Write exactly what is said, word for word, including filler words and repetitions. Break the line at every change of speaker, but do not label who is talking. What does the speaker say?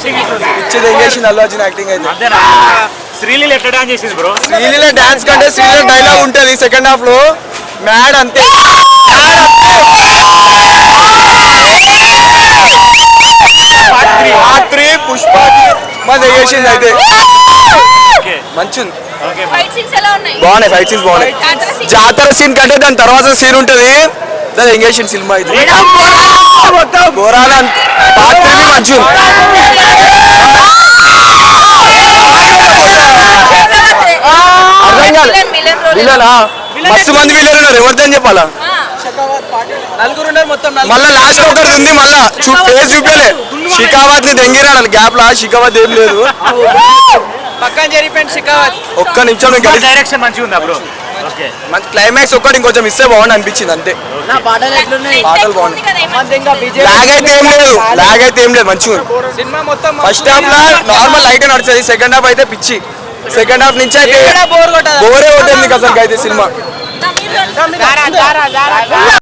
పిచ్చి తెగేసింది అల్లు అర్జున్ యాక్టింగ్ అయితే.
శ్రీలీల ఎట్లా డాన్స్ చేసింది బ్రో?
శ్రీలీల డాన్స్ కంటే శ్రీలీల డైలాగ్ ఉంటది సెకండ్ హాఫ్ లో. మ్యాడ్ అంతే. పాత్రి పుష్ప మా తెగేసింది అయితే. మంచిది. బాగున్నాయి ఫైట్ సీన్స్ బాగున్నాయి. జాతర సీన్ కంటే దాని తర్వాత సీన్ ఉంటది. దాని ఎంగేషన్ సినిమా అయితే ఘోరాల పాత్రని మంచి మస్తు మంది విలన్ ఉన్నారు. ఎవరిదని చెప్పాలా? మళ్ళా లాస్ట్ ఒకటి ఉంది. మళ్ళా ఫేస్ చూపలే. షికావత్ ని దెంగిరాడు గ్యాప్ లా. షికావత్ ఏం లేదు. ఒక్క నిమిషం
డైరెక్షన్ మంచిగా ఉందా బ్రో?
క్లైమాక్స్ ఒక్కటి ఇంకొంచెం ఇస్తే బాగుంది అనిపించింది అంతే. పాటలు బాగున్నాయి. లాగ్ అయితే ఏం లేదు. లాగ్ అయితే ఏం లేదు మంచిగా. ఫస్ట్ హాఫ్ లా నార్మల్ లైట్ నడుస్తుంది. సెకండ్ హాఫ్ అయితే పిచ్చి. సెకండ్ హాఫ్ నుంచి అయితే బోరే ఉంటుంది అసలు అయితే సినిమా.